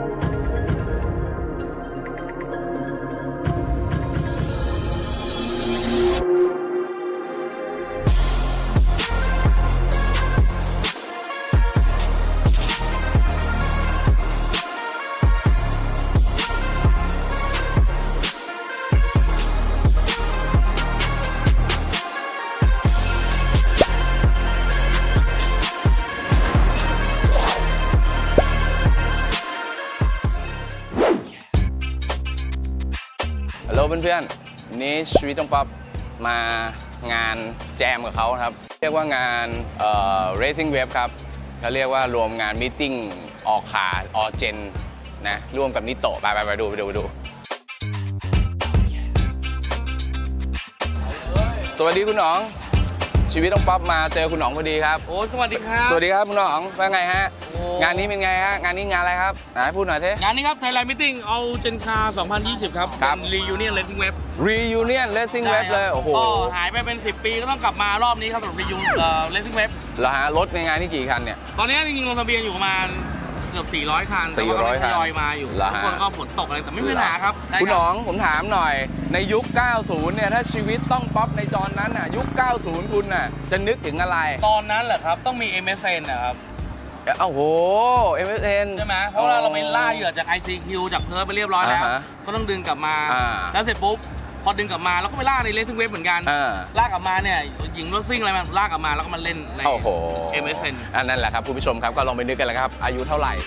ฮัลโหลเพื่อนๆวันนี้ชีวิตต้องป๊อปมางานแจมกับเขาครับเรียกว่างานRacing Web ครับเขาเรียกว่ารวมงานมีตติ้งออกขาออเจนนะร่วมกับนิโตะไปดูสวัสดีคุณหนองชีวิตต้องป๊อปมาเจอคุณหนองพอดีครับโอ้สวัสดีครับสวัสดีครับคุณหนองว่าไงฮะงานนี้เป็นไงฮะงานนี้งานอะไรครับไหนพูดหน่อยเถอะงานนี้ครับ Thailand Meeting All Gen Car 2020 ครับเป็น Reunion Racing Web Reunion Racing Web เลยโอ้โหหายไปเป็น10 ปีก็ต้องกลับมารอบนี้ครับสำหรับ Reunion Racing Web แล้วฮะรถในงานนี่กี่คันเนี่ยตอนนี้จริงๆลงทะเบียนอยู่ประมาณเกือบ400 คัน 400 คันทยอยมาอยู่ทุกคนก็ฝนตกอะไรแต่ไม่มีปัญหาครับคุณหนองผมถามหน่อยในยุค 90 เนี่ยถ้าชีวิตต้องป๊อปในตอนนั้นน่ะยุค 90 คุณน่ะจะนึกถึงอะไรตอนนั้นเหรอครับต้องมี MSN นะครับโอ้โห MSN ใช่ไหมเพราะว่าเราไปล่าเหยื่อจาก ICQ จากเพิร์ทไปเรียบร้อยแล้วก็ต้องดึงกลับมาแล้วเสร็จปุ๊บพอดึงกลับมาเราก็ไปล่าใน Racing Web เหมือนกันล่ากลับมาเนี่ยหญิงรถซิ่งอะไรมันล่ากลับมาแล้วก็มาเล่นใน MSN อันนั้นแหละครับคุณผู้ชมครับก็ลองไปนึกกันแล้วครับอายุเท่าไหร่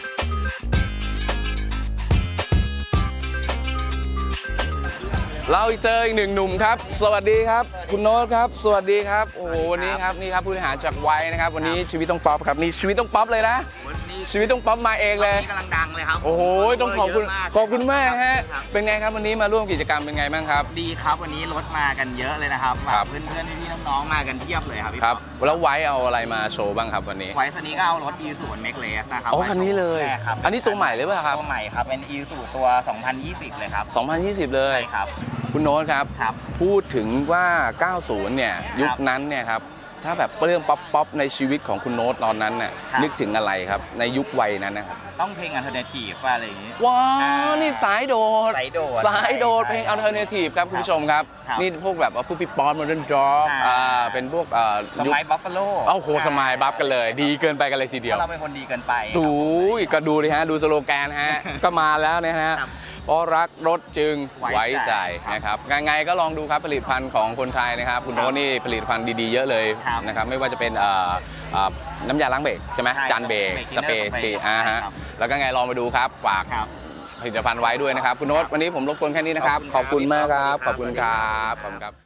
เราเจออีกหนึ่งหนุ่มครับสวัสดีครับคุณโน้ตครับสวัสดีครับโอ้โหวันนี้ครับนี่ครับผู้บริหารจากไว้นะครับวันนี้ชีวิตต้องป๊อปครับนี่ชีวิตต้องป๊อปเลยนะชีวิตต้องป๊อปมาเองเลยกำลังดังเลยครับโอ้โหต้องขอบคุณมากฮะเป็นไงครับวันนี้มาร่วมกิจกรรมเป็นไงบ้างครับดีครับวันนี้รถมากันเยอะเลยนะครับเพื่อนๆพี่ๆน้องๆมากันเพียบเลยครับพี่ครับแล้วไว้เอาอะไรมาโชว์บ้างครับวันนี้ไว้คันนี้ก็เอารถ Isuzu Max นะครับอ๋อคันนี้เลยอันนี้ตัวใหม่หรือเปล่าครับตัวใหม่ครับเป็น Isuzu ตัว 2020 เลยครับ 2020เลยใช่ครับคุณโน้ตครับพูดถึงว่า 90 เนี่ยยุคนั้นเนี่ยครับถ้าแบบเรื่องป๊อปในชีวิตของคุณโน้ตตอนนั้นน่ะนึกถึงอะไรครับในยุควัยนั้นนะครับต้องเพลง Alternative อะไรอย่างนี้ว้าวนี่สายโดดเพลง Alternative ครับคุณผู้ชมครับนี่พวกแบบว่าผู้ปิดปอน Modern Drop เป็นพวกสมัย Buffalo โอ้โหสมัยบัฟกันเลยดีเกินไปกันเลยทีเดียวเราเป็นคนดีเกินไปดูก็ดูดิฮะดูสโลแกนฮะก็มาแล้วเนี่ยฮะเพราะรักรถจึงไว้ใจนะครับไงก็ลองดูครับผลิตภัณฑ์ของคนไทยนะครับคุณโน้ตนี่ผลิตภัณฑ์ดีๆเยอะเลยนะครับไม่ว่าจะเป็นน้ำยาล้างเบรกใช่ไหมจานเบรกสเปรย์ฮะแล้วก็ไงลองไปดูครับฝากผลิตภัณฑ์ไว้ด้วยนะครับคุณโน้ตวันนี้ผมรบกวนแค่นี้นะครับขอบคุณมากครับขอบคุณครับขอบคุณครับ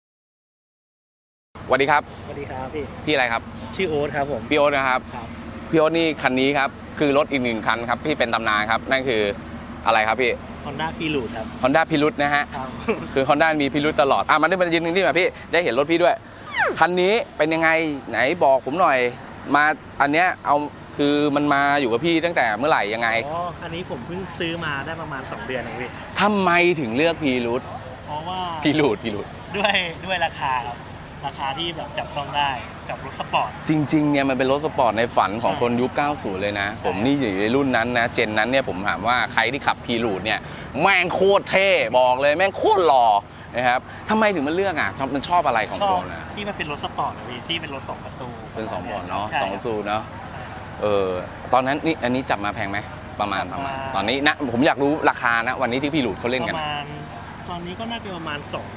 สวัสดีครับสวัสดีครับพี่อะไรครับชื่อโอ๊ตครับผมพี่โอ๊ตนะครับพี่โอ๊ตนี่คันนี้ครับคือรถอีกหนึ่งคันครับที่เป็นตำนานครับนั่นคืออะไรครับพี่ Honda Pilot ครับ Honda Pilot นะฮะคือ Honda มีพิรุธตลอดมันได้มายืนนี่มาพี่ได้เห็นรถพี่ด้วยคันนี้เป็นยังไงไหนบอกผมหน่อยมาอันเนี้ยเอาคือมันมาอยู่กับพี่ตั้งแต่เมื่อไหร่ยังไงคันนี้ผมเพิ่งซื้อมาได้ประมาณ2 เดือนเองพี่ทำไมถึงเลือกPilot เพราะว่า Pilot ด้วยราคาครับราคาที่แบบจับต้องได้กับรถสปอร์ตจริงๆเนี่ยมันเป็นรถสปอร์ตในฝันของคนยุค 90 เลยนะผมนี่อยู่ในรุ่นนั้นนะเจนนั้นเนี่ยผมถามว่าใครที่ขับPilotเนี่ยแม่งโคตรเท่บอกเลยแม่งโคตรหล่อนะครับทำไมถึงมันเลือกมันชอบอะไรของคนนะที่มันเป็นรถสปอร์ตนะพี่ที่เป็นรถ2 ประตูเป็น2 ประตูเนาะ2 ประตูเนาะตอนนั้นนี่อันนี้จับมาแพงไหมประมาณตอนนี้นะผมอยากรู้ราคานะวันนี้ที่Pilotเขาเล่นกันประมาณตอนนี้ก็น่าจะประมาณ200,000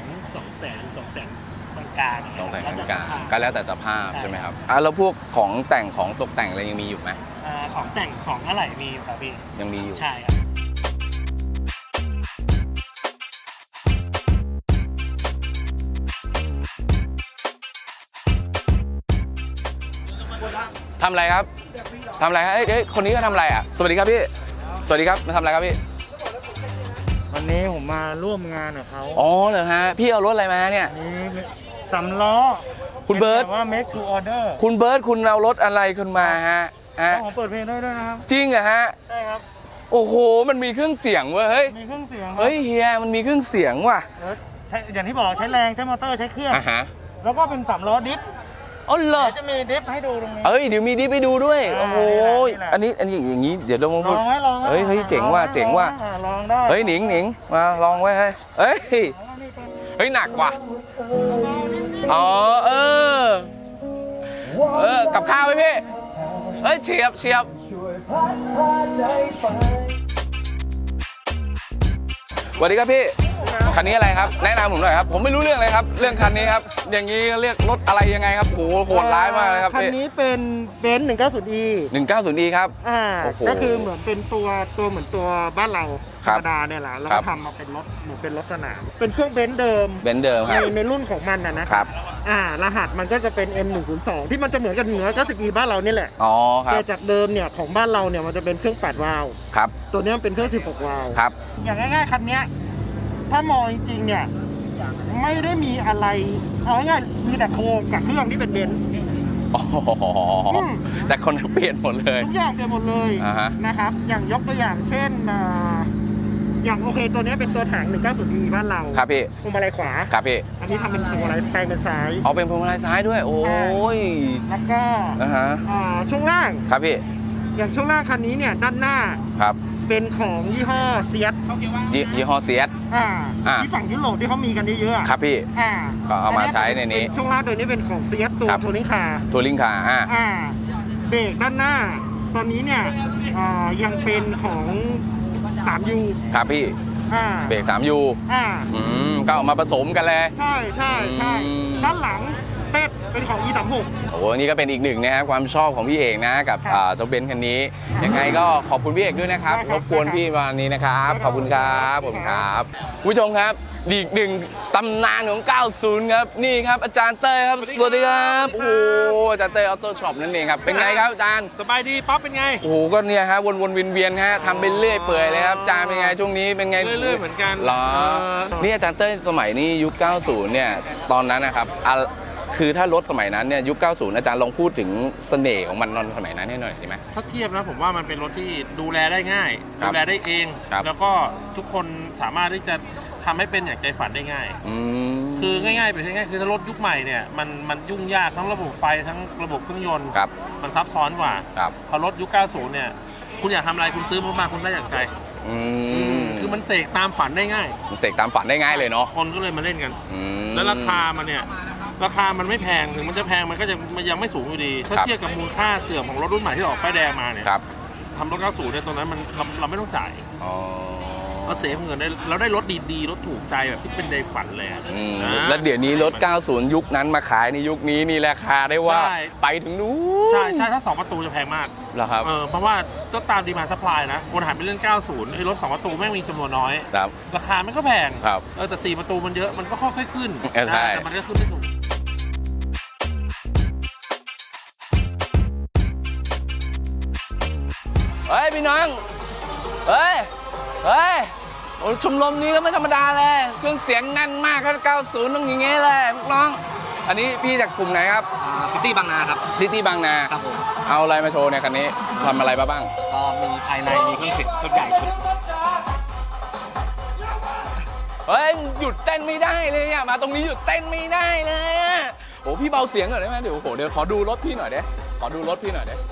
กลางต้องแต่งกลางก็แล้วแต่สภาพใช่ไหมครับแล้วพวกของแต่งของตกแต่งอะไรยังมีอยู่ไหมของแต่งของอะไรมีอยู่ครับพี่ยังมีอยู่ใช่ครับทำอะไรครับทำอะไรครับเอ้ยคนนี้ก็ทำอะไรสวัสดีครับพี่สวัสดีครับมาทำอะไรครับพี่วันนี้ผมมาร่วมงานกับเขาอ๋อเหรอฮะพี่เอารถอะไรมาเนี่ยนี่3 ล้อคุณเบิร์ตว่า make to order คุณเบิร์ตคุณเอารถอะไรขึ้นมาฮะผมเปิดเพลงได้ด้วยนะครับจริงเหรอฮะใช่ครับโอ้โหมันมีเครื่องเสียงเว้ยเฮ้ยมีเครื่องเสียงเฮ้ยเฮียมันมีเครื่องเสียงว่ะใช้อย่างที่บอกใช้แรงใช้มอเตอร์ใช้เครื่องแล้วก็เป็น3 ล้อดิฟอ๋อเหรอจะมีดิฟให้ดูตรงนี้เอ้ยเดี๋ยวมีดิฟไปดูด้วย โอ้โหนี่แหละอันนี้อย่างนี้เดี๋ยวลองลองไหมลองไหมเฮ้ยเจ๋งว่ะเจ๋งว่ะลองได้เฮ้ยหนิงมาลองไว้เฮ้ยเฮ้ยหนักว่ะอ๋อกับข้าวไหมพี่เฮ้ยเฉียบสวัสดีครับพี่คันนี้อะไรครับแนะนำผมหน่อยครับผมไม่รู้เรื่องเลยครับเรื่องคันนี้ครับอย่างนี้เรียกรถอะไรยังไงครับโหโหดร้ายมากเลยครับคันพี่นี้เป็นเบนซ์ 190e 190e ครับ โอ้โหก็คือเหมือนเป็นตัวเหมือนตัวบ้านเราธครัรบรมดาเนี่ยแหละแล้วครัก็บทำมาเป็นรถเหมือนเป็นรถสนามเป็นเครื่องเบนซ์เดิมเบนซ์เดิมครับในรุ่นของมันนะครับ รหัสมันก็จะเป็น M102 ที่มันจะเหมือนกัน190e บ้านเรานี่แหละอ๋อครับแต่จากเดิมเนี่ยของบ้านเราเนี่ยมันจะเป็นเครื่อง8วาล์วครับตัวนี้มันเป็นเครื่อง16วาล์วครับอย่างง่ายๆคันเนี้ยถ้ามองจริงๆเนี่ยไม่ได้มีอะไรเอาง่ายๆมีแต่โครงกับเครื่องที่เป็นเบนซ์อ๋อแต่คนเปลี่ยนหมดเลยทุกอย่างเปลี่ยนหมดเลยอ่าฮะนะครับ อย่างยกตัวอย่างเช่นอย่างโอเคตัวนี้เป็นตัวถัง 190e บ้านเราครับพี่พวงมาลัยขวาครับพี่อันนี้ทำเป็นพวงมาลัยแปลงเป็นซ้ายเอาเป็นพวงมาลัยซ้ายด้วย โอ้ใช่ยแล้วก็นะฮะช่วงล่างครับพี่อย่างช่วงล่างคันนี้เนี่ยด้านหน้าครับเป็นของยี่ห้อเซียสยี่ห้อเซียสที่ฝั่งยุโรปที่เขามีกันเยอะๆครับพี่ ก็เอามาใช้ในนี้เป็ช่วงล่างตัวนี้เป็นของเซียสตัวครับโทนิ่งคาร์ทัวริงคาร์เบรกด้านหน้า ตอนนี้เนี่ยยังเป็นของ 3U ครับพี่ เบรก 3U ก็เอามาผสมกันเลยใช่อืมด้านหลังเต็ดเป็นของ E36 โอ้โหนี่ก็เป็นอีกหนึ่งนะครับความชอบของพี่เอกนะกับครับเจ้าเบนซ์คันนี้ ยังไงก็ขอบคุณพี่เอกด้วยนะครับได้ครรับบกวนพี่วันนี้นะครับได้ครับขอบคุณครับผมครับคุณผู้ชมครับอีกหนึ่งตำนานของ 90 ครับ นี่ครับอาจารย์เต้ยครับ สวัสดีครับ โอ้โหอาจารย์เต้ยออโต้ช็อปนั่นเองครับ เป็นไงครับอาจารย์สบายดีป๊อปเป็นไงโอ้โหก็เนี่ยฮะวนๆเวียนๆฮะทำไปเรื่อยเปื่อยเลยครับอาจารย์เป็นไงช่วงนี้เป็นไงเรื่อยๆเหมือนกันเหรอนี่อาจารย์เต้ยสมัยนี้ยุค 90 เนี่ยตอนนั้นนะครับคือถ้ารถสมัยนั้นเนี่ยยุค 90 อาจารย์ลองพูดถึงเสน่ห์ของมันตอนสมัยนั้นให้หน่อยได้ไหมถ้าเทียบนะผมว่ามันเป็นรถที่ดูแลได้ง่ายครับดูแลได้เองครับแล้วก็ทุกคนสามารถที่จะทำให้เป็นอย่างใจฝันได้ง่ายอืมคือง่ายๆเป็นง่ายๆคือถ้ารถยุคใหม่เนี่ยมันยุ่งยากทั้งระบบไฟทั้งระบบเครื่องยนต์ครับมันซับซ้อนกว่าครับพอรถยุค 90 เนี่ยคุณอยากทำอะไรคุณซื้อมาคุณได้อย่างใจอืมคือมันเสกตามฝันได้ง่ายมันเสกตามฝันได้ง่ายเลยเนาะคนก็เลยมาเล่นกันอืมแล้วราคามันเนี่ยราคามันไม่แพงถึงมันจะแพงมันก็ยังไม่สูงอยู่ดี ถ้าครับเทียบกับมูลค่าเสื่อมของรถรุ่นใหม่ที่ออกป้ายแดงมาเนี่ยครับทำรถ 90 เนี่ยตอนนั้นเราไม่ต้องจ่ายอ๋อก็เซฟเงินได้เราได้รถดีๆรถถูกใจแบบที่เป็นในฝันเลยอะอืมนะแล้วเดี๋ยวนี้รถ 90 ยุคนั้นมาขายในยุคนี้นี่ราคาได้ว่าใช่ไปถึงนู้นใช่ถ้า 2 ประตูจะแพงมากเหรอครับเพราะว่าก็ตามดีมานด์ซัพพลายนะคนหันไปเล่น 90ไอ้รถ 2 ประตูแม่งมีจำนวนน้อยครับราคามันก็แพงครับแต่ 4 ประตูมันเยอะมันก็ค่อยๆขึ้นใช่แต่มันก็ขึ้นไม่สูงเฮ้ยพี่น้อง เฮ้ยโอ้ชมรมนี้ก็ไม่ธรรมดาเลยเครื่องเสียงแน่นมากครับ 90 ต้องอย่างเงี้ยเลยพวกน้อง อันนี้พี่จากกลุ่มไหนครับซิตี้บางนาครับซิตี้บางนาครับผมเอาอะไรมาโชว์เนี่ยคันนี้ทำอะไรมาบ้างก็มีภายในมีเครื่องเสียงชุดใหญ่ชุดเฮ้ยหยุดเต้นไม่ได้เลยอ่ะมาตรงนี้หยุดเต้นไม่ได้เลยอ่ะโอ้พี่เบาเสียงหน่อยได้ไหมเดี๋ยวขอดูรถพี่หน่อยเด้ขอดูรถพี่หน่อยเด้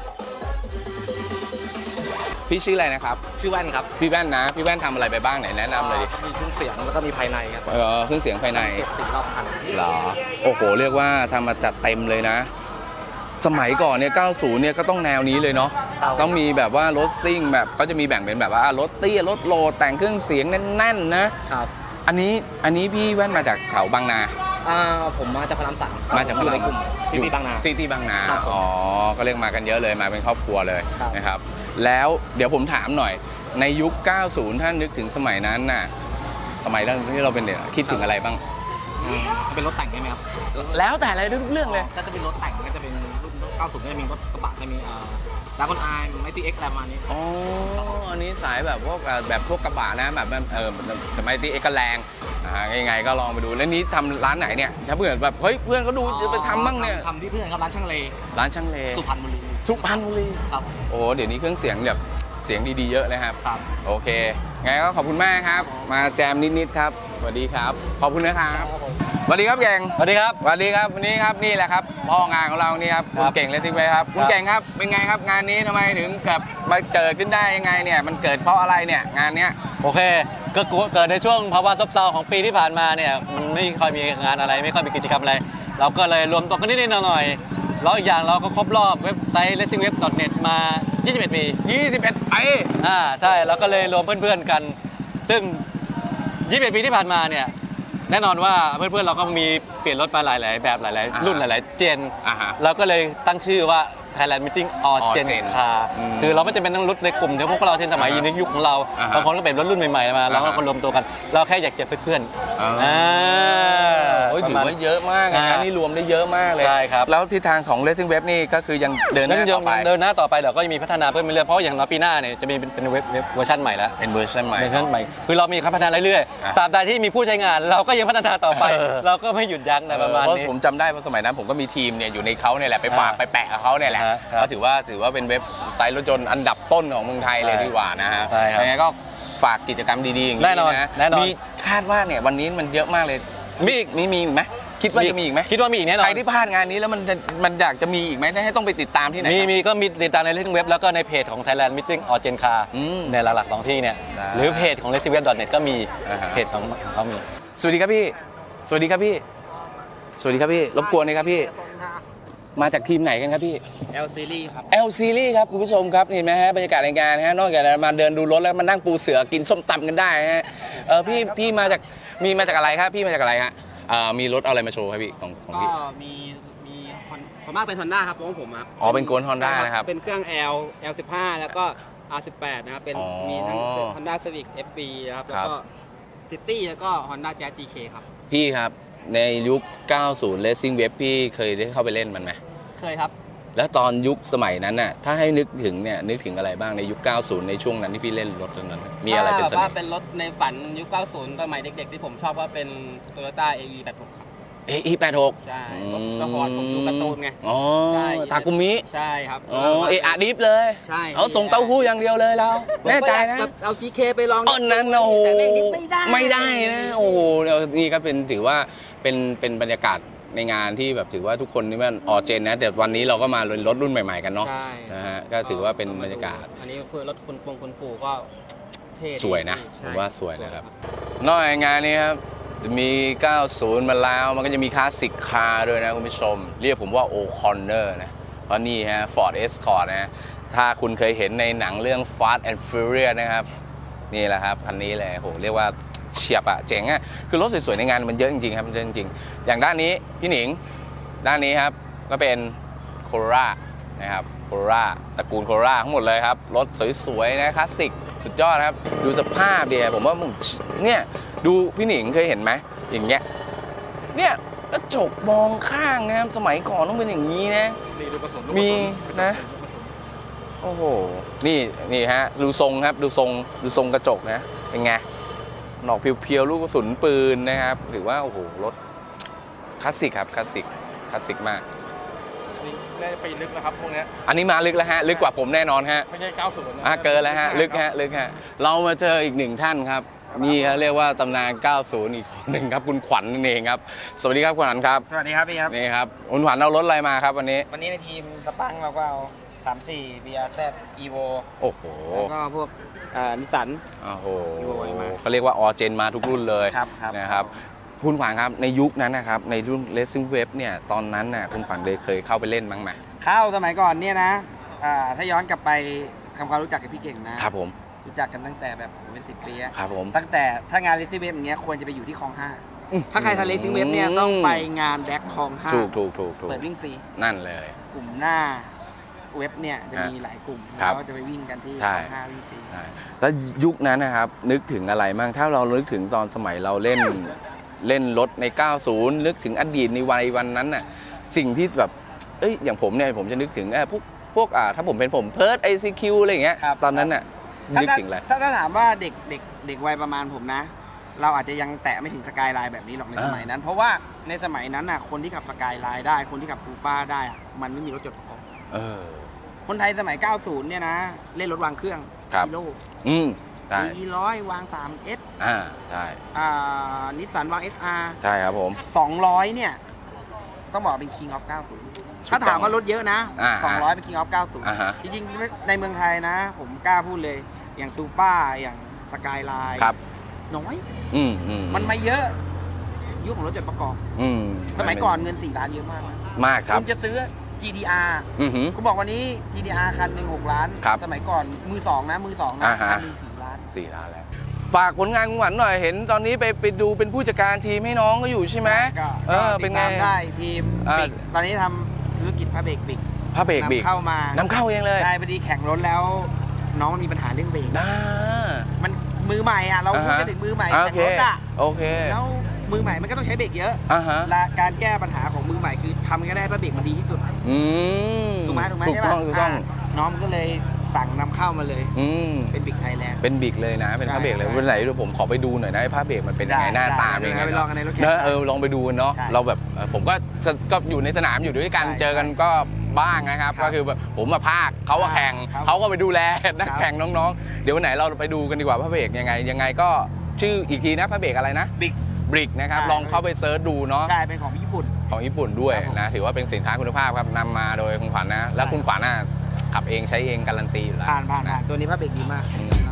พี่ชื่ออะไรนะครับชื่อแว่นครับพี่แว่นนะพี่แว่นทำอะไรไปบ้างไหนแนะนำเลยดิมีเครื่องเสียงแล้วก็มีภายในครับเครื่องเสียงภายในเก็บ4 รอบคันเหรอโอ้โหเรียกว่าทำมาจัดเต็มเลยนะ สมัยก่อนเนี่ย 90 เนี่ยก็ต้องแนวนี้เลยเนาะต้องมีแบบว่ารถซิ่งแบบก็จะมีแบ่งเป็นแบบว่ารถเตี้ยรถโลแต่งเครื่องเสียงแน่นๆนะครับ อันนี้พี่แว่นมาจากแถวบางนาผมมาจากพระรามสามมาจากพระรามกลุ่มซิตี้บางนาซิตี้บางนาครับผมอ๋อก็เรียกมากันเยอะเลยมาเป็นครอบครัวเลยครับนะครับแล้วเดี๋ยวผมถามหน่อยในยุค 90 ถ้านึกถึงสมัยนั้นน่ะสมัยนั้นที่เราเป็นเด็กคิดถึงอะไรบ้างเป็นรถแต่งใช่ไหมครับแล้วแต่อะไรทุกเรื่องเลยก็จะเป็นรถแต่งก็จะเป็นรุ่น 90 ก็จะมีรถกระบะจะมีดากอนไอไมตี้เอ็กซ์อะไรประมาณนี้อ๋อ อันนี้สายแบบพวกแบบพวกกระบะนะแบบแต่ไม่ตีเอกแรงยังไงก็ลองไปดูแล้วนี้ทำร้านไหนเนี่ยถ้าเพื่อนแบบเฮ้ยเพื่อนก็ดูจะไปทำบ้างเนี่ยทำที่เพื่อนครับร้านช่างเลร้านช่างเลสุพรรณบุรีสุพรรณบุรีครับโอ้เดี๋ยวนี้เครื่องเสียงแบบเสียงดีๆเยอะเลยครับครับโอเคไงก็ขอบคุณมากครับ มาแจมนิดๆครับสวัสดีครับขอบคุณนะครับสวัสดีครับเก่งสวัสดีครับสวัสดีครับวันนี้ครับนี่แหละครับพ่องานของเรานี่ครับคุณเก่งเลสซิ่งเวฟครับคุณเก่งครับเป็นไงครับงานนี้ทำไมถึงมาเกิดขึ้นได้ยังไงเนี่ยมันเกิดเพราะอะไรเนี่ยงานเนี้ยโอเคก็เกิดในช่วงภาวะซบเซาของปีที่ผ่านมาเนี่ยมันไม่ค่อยมีงานอะไรไม่ค่อยมีกิจกรรมอะไรเราก็เลยรวมตัวกันนิดๆหน่อยๆแล้วอีกอย่างเราก็ครบรอบเว็บไซต์ racingweb.net มา 21 ปี 21 ปีใช่เราก็เลยรวมเพื่อนๆกัน ซึ่ง 21 ปีที่ผ่านมาเนี่ยแน่นอนว่าเพื่อนๆเราก็มีเปลี่ยนรถมาหลายๆแบบหลายๆรุ่นหลายๆเจนเราก็เลยตั้งชื่อว่า Thailand Meeting All Gen Car คือเราไม่จำเป็นต้องรถในกลุ่มที่พวกเราเทนสมัยในยุคของเราบางคนก็เป็นรถรุ่นใหม่ๆมาเราก็รวมตัวกันเราแค่อยากเจอเพื่อนๆถือว่าเยอะมากงานนี้รวมได้เยอะมากเลยใช่ครับแล้วทิศทางของ Racing Web นี่ก็คือยังเดินหน้าต่อไปเดินหน้าต่อไปเดี๋ยวก็จะมีพัฒนาเพิ่มไปเรื่อยเพราะอย่างน้อยปีหน้าเนี่ยจะมีเป็นเว็บเวอร์ชันใหม่แล้วเป็นเวอร์ชันใหม่คือเรามีพัฒนาเรื่อยๆตราบใดที่มีผู้ใช้งานเราก็ยังพัฒนาต่อไปเราก็ไม่หยุดยั้งในประมาณนี้ผมจำได้ว่าสมัยนั้นผมก็มีทีมเนี่ยอยู่ในเขาเนี่ยแหละไปฝากไปแปะกับเขาเนี่ยแหละก็ถือว่าเป็นเว็บไซต์รถยนต์อันดับต้นของเมืองไทยเลยดีกว่านะฮะยังไงก็ฝากกิจกรรมดีๆอย่างนี้นะมีคาดว่าเนี่ยวันนี้มันเยอะมากเลยมีอีกไหมคิดว่าจะมีอีกไหมคิดว่ามีอีกแน่นอนใครที่พลาดงานนี้แล้วมันอยากจะมีอีกไหมให้ต้องไปติดตามที่ไหนก็มีติดตามใน Racing Web แล้วก็ในเพจของ Thailand Meeting All Gen Car ในหลักๆ2ที่เนี่ยหรือเพจของ racingweb.net ก็มีเพจของเขามีสวัสดีครับพี่สวัสดีครับพี่สวัสดีครับพี่รบกวนเลยครับพี่มาจากทีมไหนกันครับพี่ L Series ครับ L Series ครับคุณผู้ชมครับเห็นไหมฮะบรรยากาศในงานฮะนอกจากมาเดินดูรถแล้วมานั่งปูเสือกินส้มตำกันได้ฮะพี่มาจากอะไรครับพี่มาจากอะไรฮะมีรถอะไรมาโชว์ครับพี่ของพี่ก็มีส่วนมากเป็น Honda ครับของผมครับอ๋อเป็นโกน Honda นะครับเป็นเครื่อง L15 แล้วก็ R18 นะครับเป็นมีทั้ง Honda Civic FB นะครับแล้วก็ City แล้วก็ Honda Jazz GK ครับพี่ครับในยุค 90 Racing Web พี่เคยได้เข้าไปเล่นมันไหมเคยครับแล้วตอนยุคสมัยนั้นน่ะถ้าให้นึกถึงอะไรบ้างในยุค 90 ในช่วงนั้นที่พี่เล่นรถนั้นมีอะไรเป็นเสน่ห์ว่าเป็นรถในฝันยุค 90 สมัยเด็กๆที่ผมชอบว่าเป็น Toyota AE86 ครับ AE86 ใช่ละครผมดูการ์ตูนไงอ๋อทากุมิใช่ครับอาดิฟเลยใช่เอาส่งเต้าหู้อย่างเดียวเลยเราแน่ใจนะเอา GK ไปลองนั้นโอ้โหไม่ได้นะโอ้โหนี่ก็เป็นถือว่าเป็นบรรยากาศในงานที่แบบถือว่าทุกคนนี่มันออเจนนะแต่วันนี้เราก็มารถรุ่นใหม่ๆกันเนาะนะฮะก็ถือว่าเป็นบรรยากาศอันนี้คือรถคุณปู่ก็เท่สวยนะผมว่าสวยนะครับนอกจากงานนี้ครับจะมี 90 มาแล้วมันก็จะมีคลาสสิกคาร์ด้วยนะคุณผู้ชมเรียกผมว่าโอคอนเนอร์นะเพราะนี่ฮะ Ford Escort นะถ้าคุณเคยเห็นในหนังเรื่อง Fast and Furious นะครับนี่แหละครับคันนี้เลยโหเรียกว่าเฉียบอะเจ๋งอะคือรถสวยๆในงานมันเยอะจริงๆครับมันเยอะจริงๆอย่างด้านนี้พี่หนิงด้านนี้ครับก็เป็น Corolla นะครับ Corolla ตระกูล Corolla ทั้งหมดเลยครับรถสวยๆนะคลาสสิกสุดยอดครับดูสภาพเดียผมว่าเนี่ยดูพี่หนิงเคยเห็นไหมอย่างเงี้ยเนี่ยกระจกมองข้างนะครับสมัยก่อนต้องเป็นอย่างนี้นะมีนะโอ้โหนี่ฮะดูทรงครับดูทรงกระจกนะเป็นไงหนอกเพียวๆลูกกระสุนปืนนะครับถือว่าโอ้โหรถคลาสสิกครับคลาสสิกมากน่าจะไปลึกนะครับพวกนี้อันนี้มาลึกแล้วฮะลึกกว่าผมแน่นอนฮะไม่ใช่90นะเกินแล้วฮะลึกฮะเรามาเจออีกหนึ่งท่านครับนี่เขาเรียกว่าตำนาน 90 อีกคนหนึ่งครับคุณขวัญนั่นเองครับสวัสดีครับคุณขวัญครับสวัสดีครับพี่ครับนี่ครับคุณขวัญเอารถอะไรมาครับวันนี้ในทีมสปังเราก็เอา34 BRZ Evo โอ้โหแล้วก็พวกนิสสันโอ้โหเขาเรียกว่าออเจนมาทุกรุ่นเลยนะครับคุณขวัญครับในยุคนั้นนะครับในรุ่น Racing Web เนี่ยตอนนั้นน่ะคุณขวัญเคยเข้าไปเล่นบ้างไหมเข้าสมัยก่อนเนี่ยนะถ้าย้อนกลับไปทำความรู้จักกับพี่เก่งนะครับผมรู้จักกันตั้งแต่แบบเป็น10 ปีครับผมตั้งแต่ถ้างาน Racing Web อย่างเงี้ยควรจะไปอยู่ที่คลอง 5ถ้าใครทำ Racing Web เนี่ยต้องไปงานแบ็คคลอง5 ถูกเปิดวิ่งฟรีนั่นเลยกลุ่มหน้าเว็บเนี่ยจะมีหลายกลุ่มแล้วก็จะไปวิ่งกันที่คลอง5วิ่งฟรีแล้วยุคนั้นนะครับนึกถึงอะไรบ้างถ้าเรานึกถึงตอนสมัยเราเล่นรถใน 90 นึกถึงอดีตในวันนั้นน่ะสิ่งที่แบบอย่างผมเนี่ยผมจะนึกถึงพวกถ้าผมเป็นเพิร์ด ICQ อะไรอย่างเงี้ยตอนนั้นน่ะนึกถึงอะไรถ้าถามว่าเด็กวัยประมาณผมนะเราอาจจะยังแตะไม่ถึงสกายไลน์แบบนี้หรอกในสมัยนั้นเพราะว่าในสมัยนั้นน่ะคนที่ขับสกายไลน์ได้คนที่ขับซูเปอร์ได้มันไม่มีรถจดประกอบคนไทยสมัย 90 เนี่ยนะเล่นรถวางเครื่องกิโลใช่ E100 วาง 3S ใช่นิสสันวาง SR ใช่ครับผม 200 เนี่ย ต้องบอกเป็น King of 90 ถ้าถามว่ารถเยอะนะ 200 เป็น King of 90 จริงๆ ในเมืองไทยนะ ผมกล้าพูดเลย อย่างซูเปอร์อย่างสกายไลน์ครับน้อยมันมาเยอะ ยุคของรถจดประกอบ สมัยก่อนเงิน 4 ล้านเยอะมากนะมากครับคุณจะซื้อ GDR คุณบอกวันนี้ GDR คันหนึ่ง6 ล้านครับสมัยก่อนมือ 2 นะ คันหนึ่ง4 ล้าน 4 ล้านแล้วฝากผลงานคุณขวัญหน่อยเห็นตอนนี้ไปดูเป็นผู้จัดการทีมให้น้องก็อยู่ใช่ไหมก็เป็นติดไงตามได้ทีมอ่าบิ๊กตอนนี้ทำธุรกิจพระเบรกบิ๊กผ้าเบรกบิ๊กนำเข้ามานำเข้าเองเลยได้พอดีแข่งรถแล้ว น้องมันมีปัญหาเรื่องเบรกน่ามันมือใหม่อ่ะเราพูดกันถึงมือใหม่โอแข่งเครถอ่ะโอเคแล้วมือใหม่มันก็ต้องใช้เบรกเยอะ และการแก้ปัญหาของมือใหม่คือทำกันได้พระเบรกมันดีที่สุด ถูกไหมถูกใช่ต้ปะองถูกต้องน้องก็เลยสั่งนำเข้ามาเลย เป็นบิ๊กไทยแลนด์เป็นบิ๊กเลยนะ เป็นผ้าเบรกเลยใช่วันไหนเดี๋ยวผมขอไปดูหน่อยนะไอ้ผ้าเบรกมันเป็นยังไงได้หน้าตาได้เป็นยังไงไปลองกันในรถแข่งเนอะลองไปดูกันเนาะใช่เราแบบผมก็อยู่ในสนามอยู่ด้วยกันใช่เจอกันก็บ้างนะครับครับก็คือแบบผมมาภาคเขามาแข่งครับเขาก็ไปดูแลนักครับแข่งน้องๆ เดี๋ยววันไหนเราไปดูกันดีกว่าผ้าเบรกยังไงก็ชื่ออีกทีนะผ้าเบรกอะไรนะบิ๊กบริกนะครับใช่ลองเข้าไปเซิร์ชดูเนาะใช่เป็นของญี่ปุ่นของญี่ปุ่นด้วยครับผมนะถือว่าเป็นสินค้าคุณภาพครับนำมาโดยคุณขวัญนะ แล้วคุณขวัญน่ะขับเองใช้เองการันตีอยู่แล้วผ่านนะตัวนี้พระเบรกดีมากอืมครับ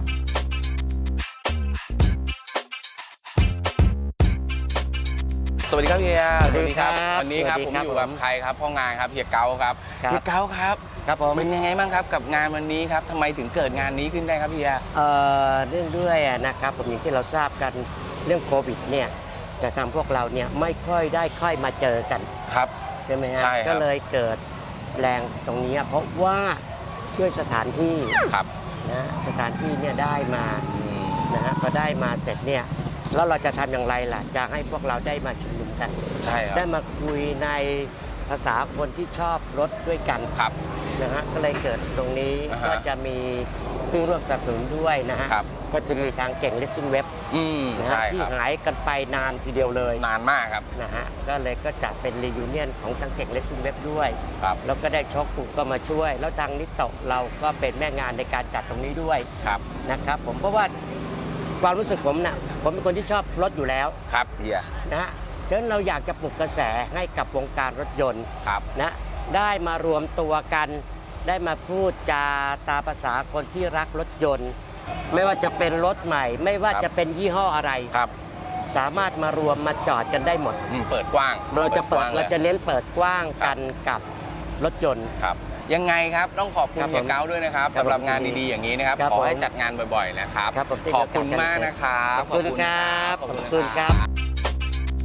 สวัสดีครับเฮียสวัสดีครับวันนี้ครับสวัผมสดีครับอยู่กับใครครับพ่องานครับเฮียเกาครับครับเฮียเกาครับครับผมเป็นยังไงบ้างครับกับงานวันนี้ครับทำไมถึงเกิดงานนี้ขึ้นได้ครับเฮียเรื่องด้วยนะครับผมอย่างที่เราทราบกันเรื่องโควิดเนี่ยจะทำพวกเราเนี่ยไม่ค่อยได้ค่อยมาเจอกันครับใช่ไหมฮะใช่ครับก็เลยเกิดแรงตรงนี้เพราะว่าด้วยสถานที่ครับนะสถานที่เนี่ยได้มาอืมนะฮะพอได้มาเสร็จเนี่ยแล้วเราจะทำอย่างไรล่ะจะให้พวกเราได้มาชุมนุมกันใช่คได้รับมาคุยในภาษาคนที่ชอบรถด้วยกันครับนะฮะก็เลยเกิดตรงนี้อ่าฮะก็จะมีผู้ร่วมสนับสนุนด้วยนะฮะครับก็จะมีทางเก่งเลสซิ่งเว็บ นะใช่ฮะที่ครับหายกันไปนานทีเดียวเลยนานมากครับนะฮะก็เลยก็จัดเป็นรียูเนียนของทางเก่งเลสซิ่งเว็บด้วยครับแล้วก็ได้ช็อคกูก็มาช่วย แล้วทางนิโตะเราก็เป็นแม่งานในการจัดตรงนี้ด้วยครับนะครับผมเพราะว่าความรู้สึกผมน่ะผมเป็นคนที่ชอบรถอยู่แล้วครับเฮียนะฮะฉะนั้นเราอยากจะปลุกกระแสให้กับวงการรถยนต์ครับนะได้มารวมตัวกัน ได้มาพูดจาตามภาษาคนที่รักรถยนต์ ไม่ว่าจะเป็นรถใหม่ ไม่ว่าจะเป็นยี่ห้ออะไรครับสามารถมารวมมาจอดกันได้หมดเปิดกว้างเราจะเปิดกว้งลเรายจะเน้นเปิดกว้างกันกับรถยนต์ครับยังไงครับต้องขอบคุณครับเฮียเก้าด้วยนะครับครับสำหรับงานดีๆอย่างนี้นะครับครับขอให้ผมจัดงานบ่อยๆนะครับครับผมขอบคุณมากนะครับขอบคุณครับขอบขคุอบณคุณคครัรับ บ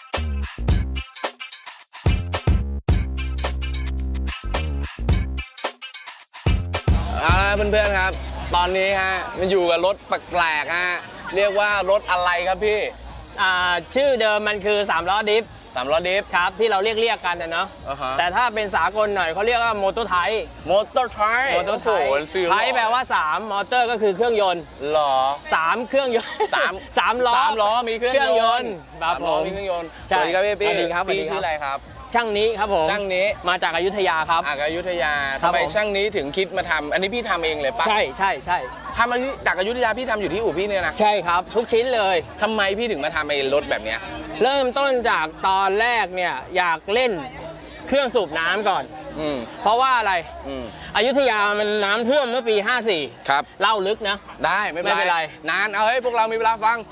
เอาละเพื่อนๆครับ ตอนนี้ฮะมันอยู่กับรถแปลกๆฮะเรียกว่ารถอะไรครับพี่ชื่อเดิมมันคือ3ล้อดิฟสามล้อดิฟครับที่เราเรียกกันนะเนาะ แต่ถ้าเป็นสากลหน่อยเขาเรียกว่าโมโตไทป์มอเตอร์ไทป์โมโตไทป์ชื่อไทป์แปลว่า 3 มอเตอร์ก็คือเครื่องยนต์หรอ 3 เครื่องยนต์สาม 3 ล้อสามล้อมีเครื่องยนต์ครับสามผล้อมมีเครื่องยนต์ใช่สวัสดีครับพี่สวัสดีครับพี่สวัสดีครับชื่ออะไรครับช่างนี้ครับผมช่างนี้มาจากอยุธยาครับอยุธยาครัทำบไมผมช่างนี้ถึงคิดมาทำอันนี้พี่ทำเองเลยปะใช่ใช่ใช่ทำมาจากอยุธยาพี่ทำอยู่ที่อู่พี่เนี่ยนะใช่ครับ ทุกชิ้นเลยทำไมพี่ถึงมาทำไอ้รถแบบเนี้ยเริ่มต้นจากตอนแรกเนี่ยอยากเล่นเครื่องสูบน้ำก่อนอืมเพราะว่าอะไรอืมอยุธยามันน้ำท่วมเมื่อปี 54 ครับเล่าลึกนะได้ไม่เป็นไม่เป็นไรนานเอาเฮ้ยพวกเรามีเวลาฟัง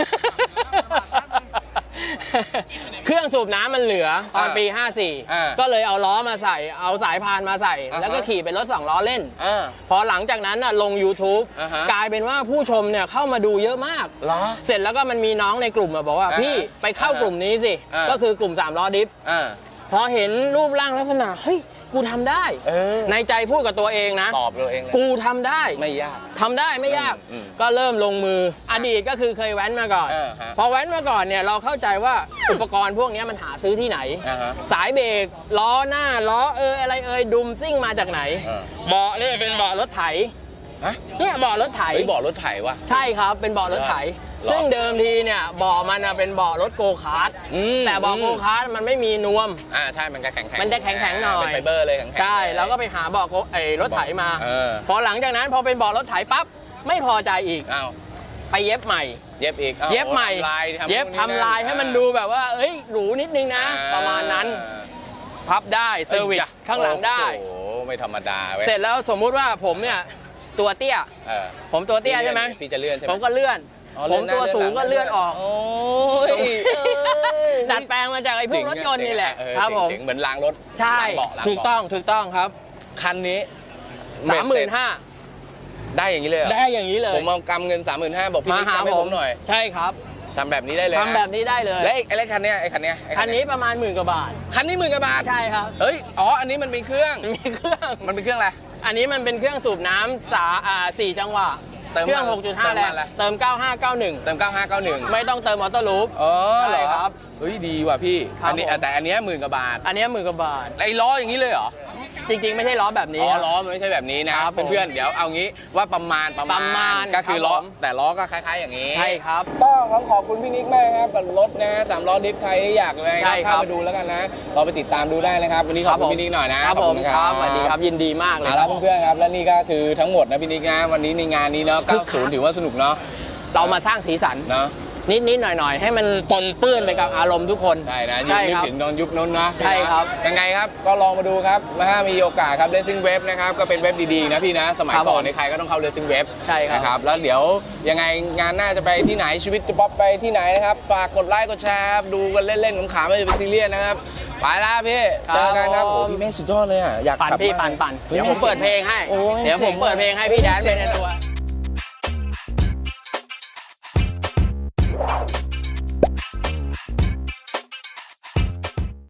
เครื่องสูบน้ำมันเหลือตอนปีอ่า 54 ก็เลยเอาล้อมาใส่ เอาสายพานมาใส่อ่าฮะแล้วก็ขี่เป็นรถ2ล้อเล่นอ่าพอหลังจากนั้นน่ะลง YouTube อ่าฮะกลายเป็นว่าผู้ชมเนี่ยเข้ามาดูเยอะมากเหรอเสร็จแล้วก็มันมีน้องในกลุ่มมาบอกว่าอ่าฮะพี่ไปเข้ากลุ่มนี้สิอ่าก็คือกลุ่ม3ล้อดิฟอ่าพอเห็นรูปร่างลักษณะ เฮ้ย กูทำได้เออในใจพูดกับตัวเองนะตอบเราเองเลยกูทำได้ไม่ยากทำได้ไม่ยากอืมก็เริ่มลงมืออดีตก็คือเคยแว้นมาก่อนฮะพอแว้นมาก่อนเนี่ยเราเข้าใจว่าอุปกรณ์พวกนี้มันหาซื้อที่ไหนอ่าฮะสายเบรกล้อหน้าล้ออะไรดุมซิ่งมาจากไหนอ่าเบาะเนี่ยเป็นเบาะรถไถฮะเนี่ยเบาะรถไถเฮ้ยบอกรถไถวะใช่ครับเป็นเบาะรถไถหรอซึ่งเดิมทีเนี่ยเบาะมันเป็นเบาะรถโกคาร์ท แต่เบาะโกคาร์ทมันไม่มีนวมใช่มันจะแข็งๆมันจะแข็งๆหน่อยเป็นไฟเบอร์เลยแข็งๆใช่แล้วก็ไปหาเบาะรถไถมาเออพอหลังจากนั้นพอเป็นเบาะรถไถปั๊บไม่พอใจอีกอ้าวไปเย็บใหม่เย็บอีกเย็บใหม่ทำลายเย็บทำลายให้มันดูแบบว่าเอ้ยหรูนิดนึงนะ ประมาณนั้นพับได้เซอร์วิสข้างหลังได้โอ้โหไม่ธรรมดาเว้ยเสร็จแล้วสมมุติว่าผมเนี่ยตัวเตี้ยเออผมตัวเตี้ยใช่ไหมพี่จะเลื่อนใช่ไหมผมก็เลื่อนอ๋อผมตัวสูงก็เลื่อนออกโอ้ยดัดแปลงมาจากไอ้พวกรถยนต์นี่แหละเออครับผมเจ๋งๆเหมือนรางรถใช่รางเบาะรางถูกเบาะต้องครับคันนี้ 35,000 ได้อย่างนี้เลยเหรอได้อย่างนี้เลยผมเอากำเงิน 35,000บอกพี่มานิกหาทำให้ผผม มหน่อยใช่ครับทำแบบนี้ได้เลยนะทำแบบนี้ได้เลยและไอ้คันเนี้ยไอ้คันเนี้ยคันนี้ประมาณ10,000 กว่าบาทคันนี้10,000 กว่าบาทใช่ครับเฮ้ยอ๋ออันนี้มันเป็นเครื่องมีเครื่องมันเป็นเครื่องอะไรอันนี้มันเป็นเครื่องสูบน้ำ4 จังหวะเติมเครื่องมัน 6.5 แรงเติมมันอะไรเติม 9591 เติม 9591 ไม่ต้องเติมออโต้ลูปอ๋อเหรใช่อครับเฮ้ยดีว่ะพี่ครับอันนี้ผมแต่อันเนี้ย10,000 กว่าบาทอันนี้10,000 กว่าบาทไอ้ล้ออย่างนี้เลยเหรอจริงๆ ไม่ใช่ล้อแบบนี้อ๋อล้อมันไม่ใช่แบบนี้นะครับผมเพื่อนๆเดี๋ยวเอางี้ว่าประมาณ ก็คือครับล้อผมแต่ล้อก็คล้ายๆอย่างนี้ใช่ครับก็ต้องขอบคุณพี่นิกมากครับกับรถนะฮะ3 ล้อดิฟใครอยากเลยใช่ครับเข้ามาดูแล้วกันนะเราไปติดตามดูได้นะครับวันนี้ขอบคุณพี่นิกหน่อยนะครับผมขอณครับสวัสดีครับยินดีมากเลยเอาละเพื่อนๆครับและนี่ก็คือทั้งหมดนะพี่นิกนะวันนี้ในงานนี้เนาะคึกคัก 90ถือว่าสนุกเนาะเรามาสร้างสีสันเนาะนิดๆหน่อยๆ ให้มันปนเปื้อนไปกับอารมณ์ทุกคนใช่นะยิ่งนึกครับถึงตอนยุคนั้นนะใช่ครับยังไงครับก็ลองมาดูครับถ้ามีโอกาสครับ Racing Web นะครับก็เป็นเว็บดีๆนะพี่นะสมัยครับก่อนผมในใครก็ต้องเข้า Racing Web ใช่ครับนะครับแล้วเดี๋ยวยังไงงานหน้าจะไปที่ไหนชีวิตจะป๊อปไปที่ไหนนะครับฝากกดไลค์กดแชร์ครับดูกันเล่นๆขำๆไม่จะเป็นซีเรียสนะครับไปแล้วพี่เจอกันครับโอ้พี่เมฆสุดยอดเลยอ่ะอยากปั่นขับพี่มากปั่นเดี๋ยวผมเปิดเพลงให้โอ้ยเดี๋ยวผมเปิดเพลงให้พี่แดนไปในตัว